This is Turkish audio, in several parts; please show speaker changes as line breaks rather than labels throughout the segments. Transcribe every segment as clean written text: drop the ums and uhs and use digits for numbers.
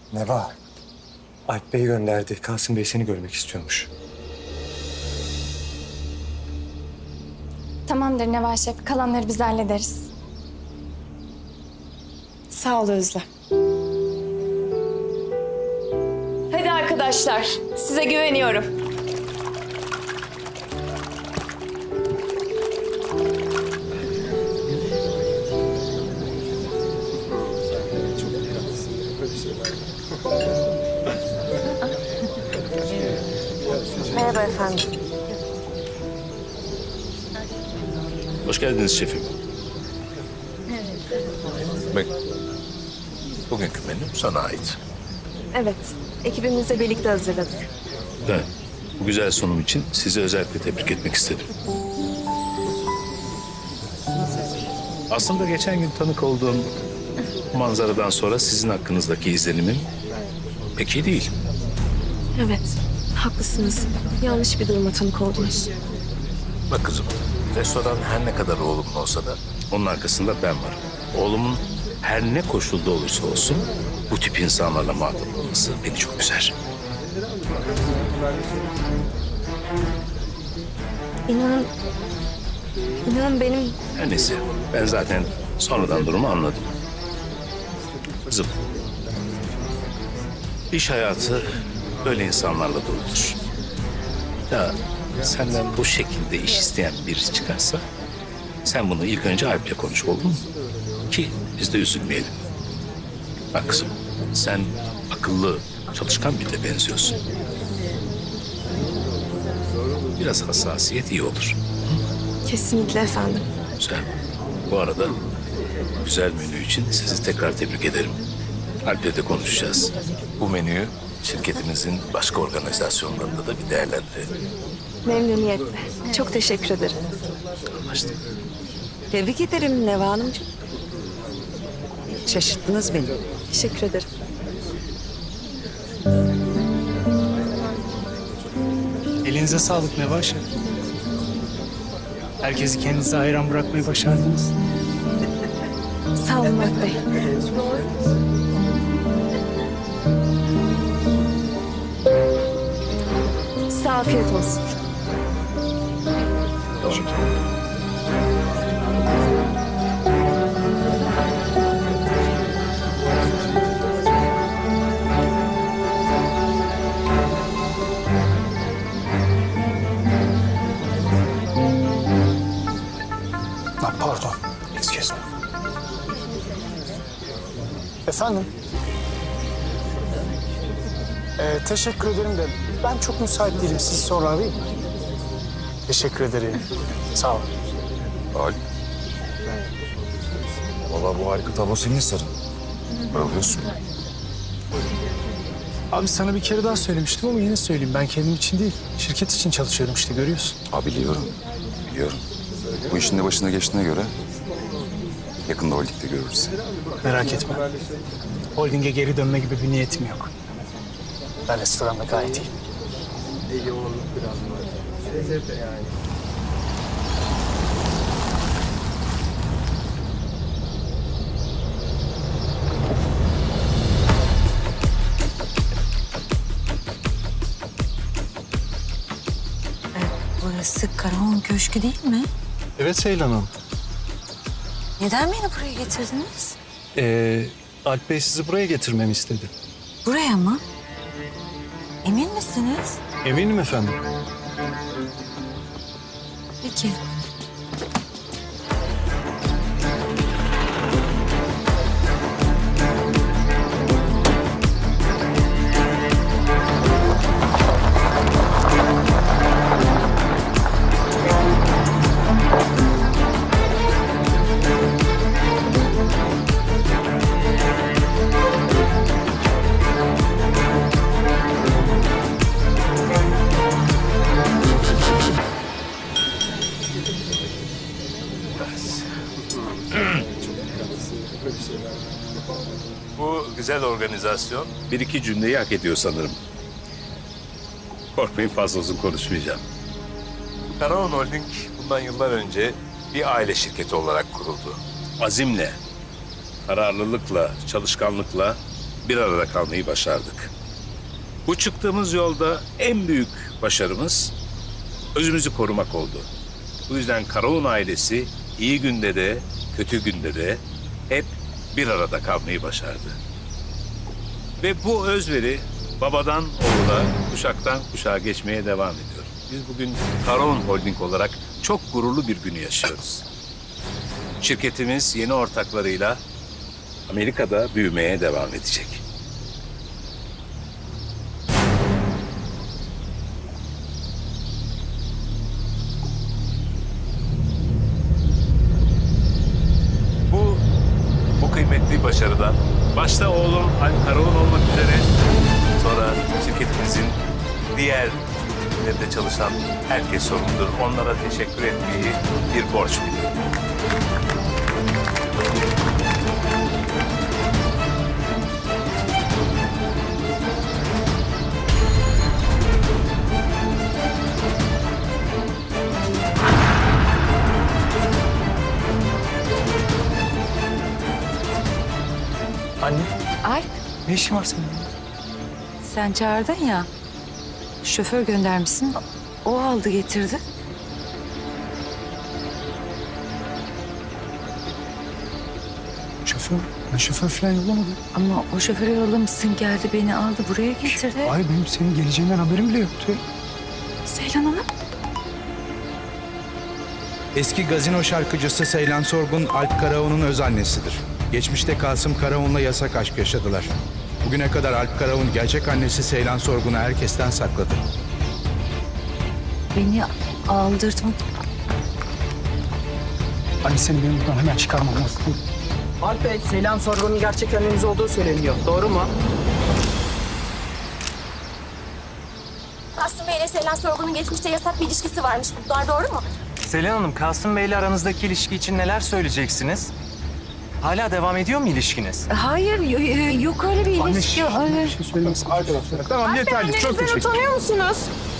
Neva, Alp Bey gönderdi. Kasım Bey seni görmek istiyormuş.
Tamamdır Neva Şef. Kalanları biz hallederiz.
Sağ ol Özlem. Hadi arkadaşlar, size güveniyorum.
Merhaba efendim.
Hoş geldiniz şefim. Bak, bugünkü menü sana ait.
Evet, ekibimizle birlikte hazırladık.
Evet, bu güzel sunum için sizi özellikle tebrik etmek istedim. Aslında geçen gün tanık olduğum manzaradan sonra sizin hakkınızdaki izlenimim pek iyi değil.
Evet, haklısınız. Yanlış bir duruma tanık oldunuz.
Bak kızım, restoran her ne kadar oğlumun olsa da onun arkasında ben varım. Oğlumun her ne koşulda olursa olsun bu tip insanlarla muhatap olması beni çok üzer.
İnanın benim...
Her neyse, ben zaten sonradan durumu anladım. Kızım, iş hayatı böyle insanlarla doludur. Ya senden bu şekilde iş isteyen birisi çıkarsa sen bunu ilk önce Alp'le konuş, olur mu? Ki biz de üzülmeyelim. Bak kızım, sen akıllı, çalışkan birine benziyorsun. Biraz hassasiyet iyi olur.
Kesinlikle efendim.
Güzel. Bu arada güzel menü için sizi tekrar tebrik ederim. Alp'le de konuşacağız. Bu menüyü şirketimizin başka organizasyonlarında da bir değerlendirelim.
Memnuniyetle. Çok teşekkür ederim.
Anlaştık.
Tebrik ederim Neva Hanımcığım. Şaşırttınız beni.
Teşekkür ederim.
Elinize sağlık Neva Şef. Herkesi kendinize hayran bırakmayı başardınız.
Sağ olun Murat Bey. Size afiyet olsun.
Pardon, excuse me. Efendim? Teşekkür ederim de ben çok müsait değilim. Sizi sonra arayayım mı? Teşekkür ederim. Sağ olun.
Alp. Vallahi bu harika tablo senin sarın. Bayılıyorsun.
Abi sana bir kere daha söylemiştim ama yine söyleyeyim. Ben kendim için değil, şirket için çalışıyorum işte görüyorsun.
Abi biliyorum. Biliyorum. Bu işin de başına geçtiğine göre yakında holdingde görürüz seni.
Merak etme. Holding'e geri dönme gibi bir niyetim yok. Ben restoranda gayet iyiyim.
Burası Karahan Köşkü değil mi?
Evet Seylan Hanım.
Neden beni buraya getirdiniz?
Alp Bey sizi buraya getirmemi istedi.
Buraya mı? Emin misiniz?
Eminim efendim.
Peki.
Bu güzel organizasyon bir iki cümleyi hak ediyor sanırım. Korkmayın, fazla uzun konuşmayacağım. Karahan Holding bundan yıllar önce bir aile şirketi olarak kuruldu. Azimle, kararlılıkla, çalışkanlıkla bir arada kalmayı başardık. Bu çıktığımız yolda en büyük başarımız özümüzü korumak oldu. Bu yüzden Karaoğlan ailesi iyi günde de kötü günde de hep bir arada kalmayı başardı. Ve bu özveri babadan oğula, kuşaktan kuşağa geçmeye devam ediyor. Biz bugün Karaoğlan Holding olarak çok gururlu bir günü yaşıyoruz. Şirketimiz yeni ortaklarıyla Amerika'da büyümeye devam edecek. Bu kıymetli başarıdan başta oğlum Alp Karaoğlan olmak üzere sonra şirketimizin diğer ülkelerde çalışan herkes sorumludur. Onlara teşekkür etmeyi bir borç biliyorum.
Anne,
Alp,
ne işin var senin?
sen çağırdın ya. Şoför göndermişsin. O aldı getirdi.
Şoför. Ben şoför falan yollamadım.
Ama o şoförü yollamışsın, geldi beni aldı buraya getirdi.
Ay benim senin geleceğinden haberim bile yoktu.
Seylan Hanım.
Eski gazino şarkıcısı Seylan Sorgun, Alp Karaoğlan'ın öz annesidir. Geçmişte Kasım Karaoğlan'la yasak aşk yaşadılar. Bugüne kadar Alp Karaoğlan gerçek annesi Seylan Sorgun'u herkesten sakladı.
Beni aldırtmak.
Anne seni benim buradan hemen çıkarmam lazım.
Alp Bey, Seylan Sorgun'un gerçek anneniz olduğu söyleniyor. Doğru mu?
Aslı Bey ile Seylan Sorgun'un geçmişte yasak bir ilişkisi varmış. Bunlar doğru mu?
Seylan Hanım, Kasım Bey'le aranızdaki ilişki için neler söyleyeceksiniz? Hala devam ediyor mu ilişkiniz?
Hayır, yok öyle bir ilişki. Öyle.
Bir şey söylemesin. Arkadaşlar.
Tamam, yeterli. Çok teşekkür ederim.
Utanıyor musunuz?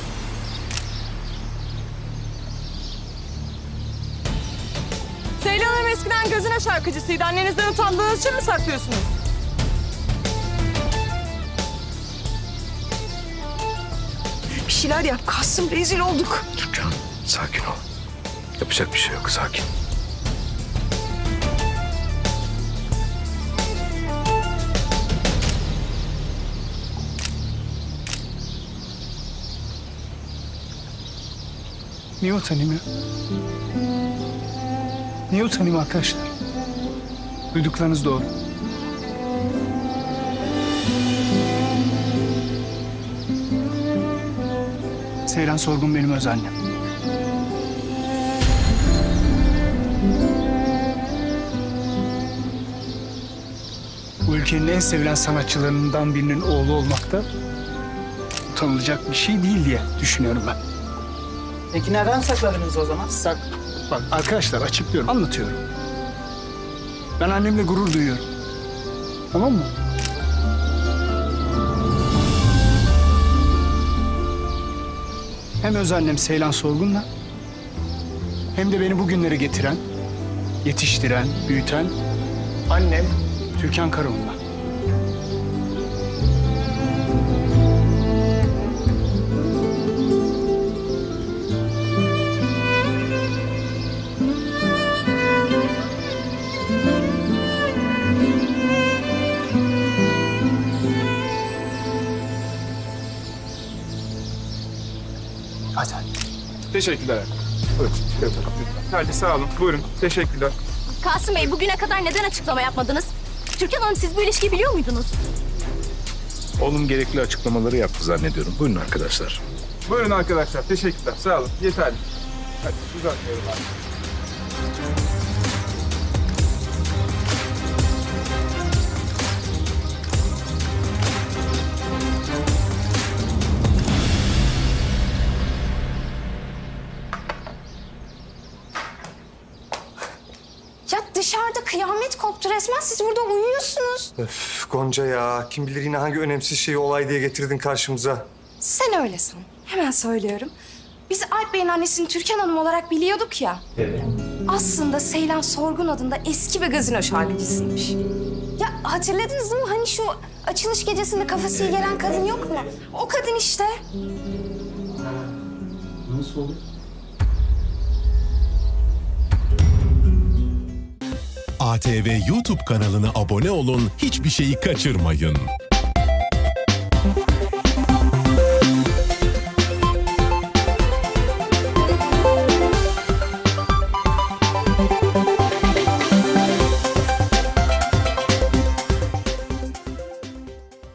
Seylan Hanım eskiden gazino şarkıcısıydı. Annenizden utandığınız için mi saklıyorsunuz?
Bir şeyler yap Kasım, rezil olduk.
Türkan, sakin ol. Yapacak bir şey yok, sakin.
Niye utanayım ya? Niye utanayım arkadaşlar? Duyduklarınız doğru. Seyran Sorgun benim öz annem. Bu ülkenin en sevilen sanatçılarından birinin oğlu olmak da utanılacak bir şey değil diye düşünüyorum ben.
Peki neden sakladınız o zaman?
Bak arkadaşlar açıklıyorum, anlatıyorum. Ben annemle gurur duyuyorum. Tamam mı? Hem öz annem Seylan Sorgun'la hem de beni bugünlere getiren, yetiştiren, büyüten annem Türkan Karaoğlan'la. Hadi.
Teşekkürler. Buyurun. Hadi sağ olun. Buyurun. Teşekkürler.
Kasım Bey bugüne kadar neden açıklama yapmadınız? Türkan Hanım siz bu ilişkiyi biliyor muydunuz?
Oğlum gerekli açıklamaları yaptı zannediyorum. Buyurun arkadaşlar.
Buyurun arkadaşlar. Teşekkürler. Sağ olun. Yeterli. Hadi uzatmayalım abi.
Ya dışarıda kıyamet koptu resmen. Siz burada uyuyorsunuz.
Öf Gonca ya. Kim bilir yine hangi önemsiz şeyi olay diye getirdin karşımıza.
Sen öyle san. Hemen söylüyorum. Biz Alp Bey'in annesini Türkan Hanım olarak biliyorduk ya. Evet. Aslında Seylan Sorgun adında eski bir gazino şarkıcısıymış. Ya hatırladınız değil mi? Hani şu açılış gecesinde kafası iyi gelen kadın yok mu? O kadın işte.
ATV YouTube kanalına abone olun, hiçbir şeyi kaçırmayın.